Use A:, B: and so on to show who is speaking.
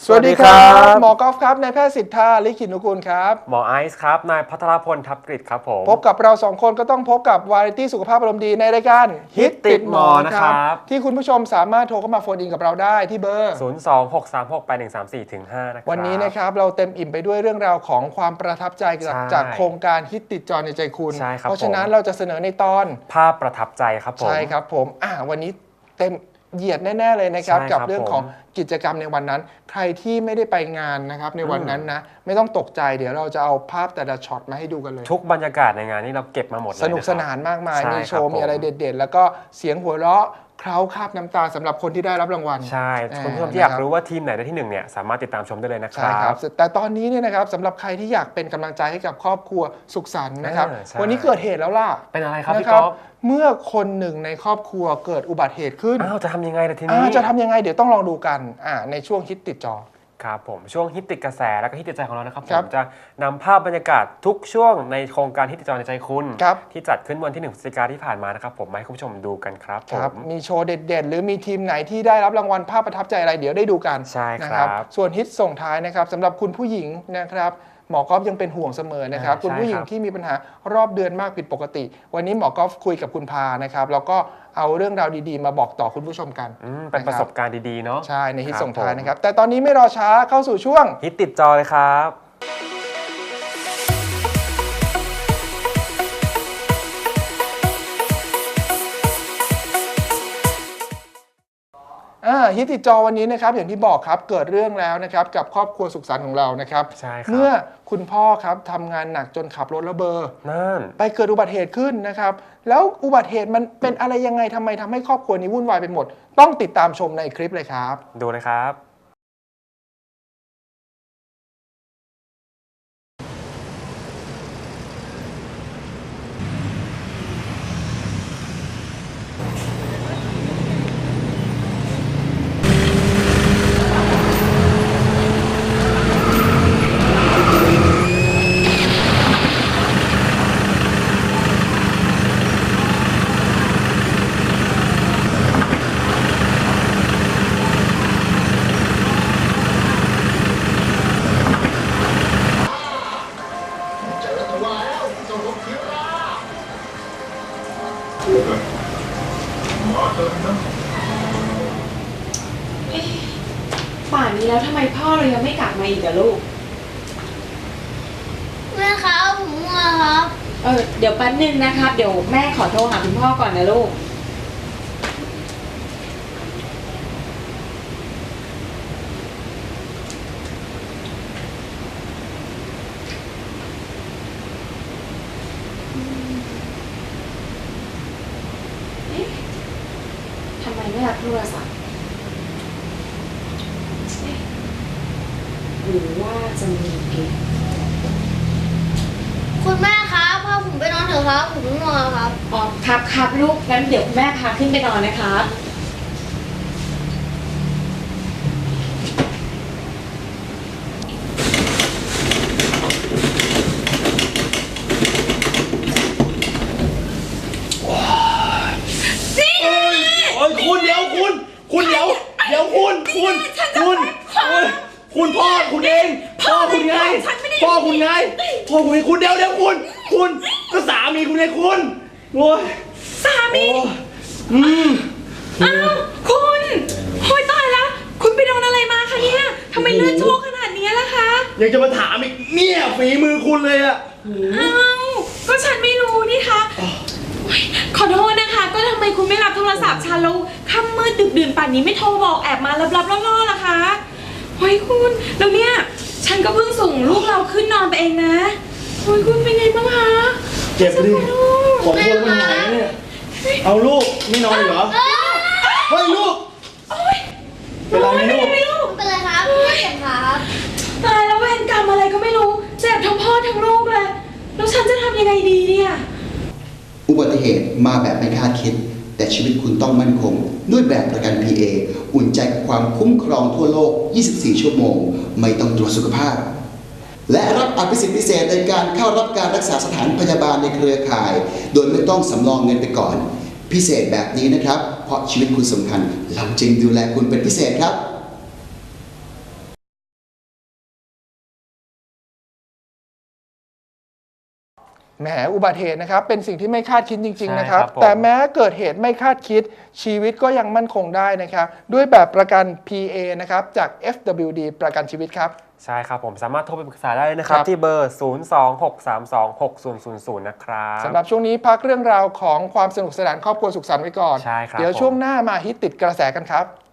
A: สวัสดีครับหมอกอล์ฟครับนายแพทย์สิทธาลิขิตนุกูลครับ
B: หมอไอซ์ครับนายพัทรพลทับกฤษครับผม
A: พบกับเราสองคนก็ต้องพบกับวาไรตี้สุขภาพอารมณ์ดีในรายการ
B: ฮิตติดหมอนะครับ
A: ที่คุณผู้ชมสามารถโทรเข้ามาโฟนอินกับเราได้ที่เบอร์
B: 026368134-5 นะครับ
A: วันนี้นะครับเราเต็มอิ่มไปด้วยเรื่องราวของความประทับใจจากโครงการฮิตติดจอในใจคุณเพราะฉะนั้นเราจะเสนอในตอน
B: ภาพประทับใจครับผม
A: ใช่ครับผมวันนี้เต็มเหยียดแน่ๆเลยนะครับกับเรื่องของกิจกรรมในวันนั้นใครที่ไม่ได้ไปงานนะครับในวันนั้นนะไม่ต้องตกใจเดี๋ยวเราจะเอาภาพแต่ละช็อตมาให้ดูกันเลย
B: ทุกบรรยากาศในงานนี้เราเก็บมาหมดเลย
A: สนุกสนานมากมายมีโชว์มีอะไรเด็ดๆแล้วก็เสียงหัวเราะเคล้าคาบน้ำตาสำหรับคนที่ได้รับรางวัล
B: ใช่คุณผู้ชมที่อยากรู้ว่าทีมไหนได้ที่1เนี่ยสามารถติดตามชมได้เลยนะครับ
A: ใช่ครับแต่ตอนนี้เนี่ยนะครับสำหรับใครที่อยากเป็นกำลังใจให้กับครอบครัวสุขสันต์นะครับวันนี้เกิดเหตุแล้วล่ะ
B: เป็นอะไรครับพี่ก๊อฟ
A: เมื่อคนหนึ่งในครอบครัวเกิดอุบัติเหตุขึ้น
B: จะทำยังไงล่ะทีนี้
A: จะทำยังไงเดี๋ยวต้องลองดูกันในช่วงฮิตติดจอ
B: ครับผมช่วงฮิตติดกระแสแล้วก็ฮิตติดใจของเรานะครับผมจะนำภาพบรรยากาศทุกช่วงในโครงการฮิตติดจอในใจคุณที่จัดขึ้นวันที่1 พฤศจิกายนที่ผ่านมานะครับผมมาให้คุณผู้ชมดูกันครับผม
A: มีโชว์เด็ดๆหรือมีทีมไหนที่ได้รับรางวัลภาพประทับใจอะไรเดี๋ยวได้ดูกัน
B: ใช่
A: ครับส่วนฮิตส่งท้ายนะครับสำหรับคุณผู้หญิงนะครับหมอกอล์ฟยังเป็นห่วงเสมอนะครับคุณผู้หญิงที่มีปัญหารอบเดือนมากผิดปกติวันนี้หมอกอล์ฟคุยกับคุณพานะครับแล้วก็เอาเรื่องราวดีๆมาบอกต่อคุณผู้ชมกัน
B: เป็นประสบการณ์ดีๆเนาะ
A: ใช่ในฮิตส่งท้ายนะครับแต่ตอนนี้ไม่รอช้าเข้าสู่ช่วง
B: ฮิตติดจอเลยครับ
A: ฮิตติดจอวันนี้นะครับอย่างที่บอกครับเกิดเรื่องแล้วนะครับกับครอบครัวสุขสันต์ของเรานะครับเมื่อคุณพ่อครับทำงานหนักจนขับรถระเบอร์ไปเกิดอุบัติเหตุขึ้นนะครับแล้วอุบัติเหตุมันเป็นอะไรยังไงทำให้ครอบครัวนี้วุ่นวายไปหมดต้องติดตามชมในคลิปเลยครับ
B: ดูเลยครับ
C: ป่านนี้แล้วทำไมพ่อเรายังไม่กลับมาอีกอะลูก
D: แม่ครับผมง่วงครับ
C: เดี๋ยวแป๊บนึงนะครับเดี๋ยวแม่ขอโทรหาคุณพ่อก่อนนะลูกทำไมไม่รับโทรศัพท์หรือว่าจะมีเกม
D: คุณแม่ครับพาผมไปนอนเถอะครับผมง่วงครับ
C: ครับลูกงั้นเดี๋ยวแม่พาขึ้นไปนอนนะครับ
E: คุณเดี๋ยวคุณพ่อคุณเองพ่อคุณไงคุณเดี๋ยวคุณก็สามีคุณไงคุณโอ้ย
C: สามีคุณโอ้ยตายแล้วคุณไปโดนอะไรมาคะเนี่ยทำไมเลือดโชกขนาดนี้ล่ะคะ
E: ยังจะมาถามอีกเนี่ยฝีมือคุณเลยอะ
C: ก็ฉันไม่รู้นี่คะขอโทษนะคะก็ทำไมคุณไม่รับโทรศัพท์ฉันแล้วค่ำมืดดึกดื่นป่านนี้ไม่โทรบอกแอบมาลับๆล่อๆล่ะคะโอ้ยคุณแล้วเนี่ยฉันก็เพิ่งส่งลูกเราขึ้นนอนไปเองนะโอ้ยคุณเป็นไงบ้างคะ
E: เจ็บดิขอโทษไม่หายเนี่ยเอาลูกไม่นอนเหรอเฮ้ยลูก
D: เป็นไรลูกเป็นไรครับไม่เจ็บครับ
C: ตายแล้วเวรกรรมอะไรก็ไม่รู้เจ็บทั้งพ่อทั้งลูกเลยแล้วฉันจะทำยังไงดีเนี่ย
F: อุบัติเหตุมาแบบไม่คาดคิดแต่ชีวิตคุณต้องมั่นคงด้วยแบบประกัน PA อุ่นใจกับความคุ้มครองทั่วโลก 24 ชั่วโมงไม่ต้องตรวจสุขภาพและรับอภิสิทธิพิเศษในการเข้ารับการรักษาสถานพยาบาลในเครือข่ายโดยไม่ต้องสำรองเงินไปก่อนพิเศษแบบนี้นะครับเพราะชีวิตคุณสำคัญเราจึงดูแลคุณเป็นพิเศษครับ
A: แหมอุบัติเหตุนะครับเป็นสิ่งที่ไม่คาดคิดจริงๆนะครับ
B: ใช่ครับผม
A: แต่แม้เกิดเหตุไม่คาดคิดชีวิตก็ยังมั่นคงได้นะครับด้วยแบบประกัน PA นะครับจาก FWD ประกันชีวิตครับ
B: ใช่ครับผมสามารถโทรไปปรึกษาได้เลยนะครับ
A: ครับ
B: ที่เบอร์ 026326000 นะครับ
A: สำหรับช่วงนี้พักเรื่องราวของความสนุกสนานครอบครัวสุขสันต์ไว้ก่อน
B: ใช่ครับ
A: เดี๋ยวช่วงหน้ามาฮิตติดกระแสกันครับ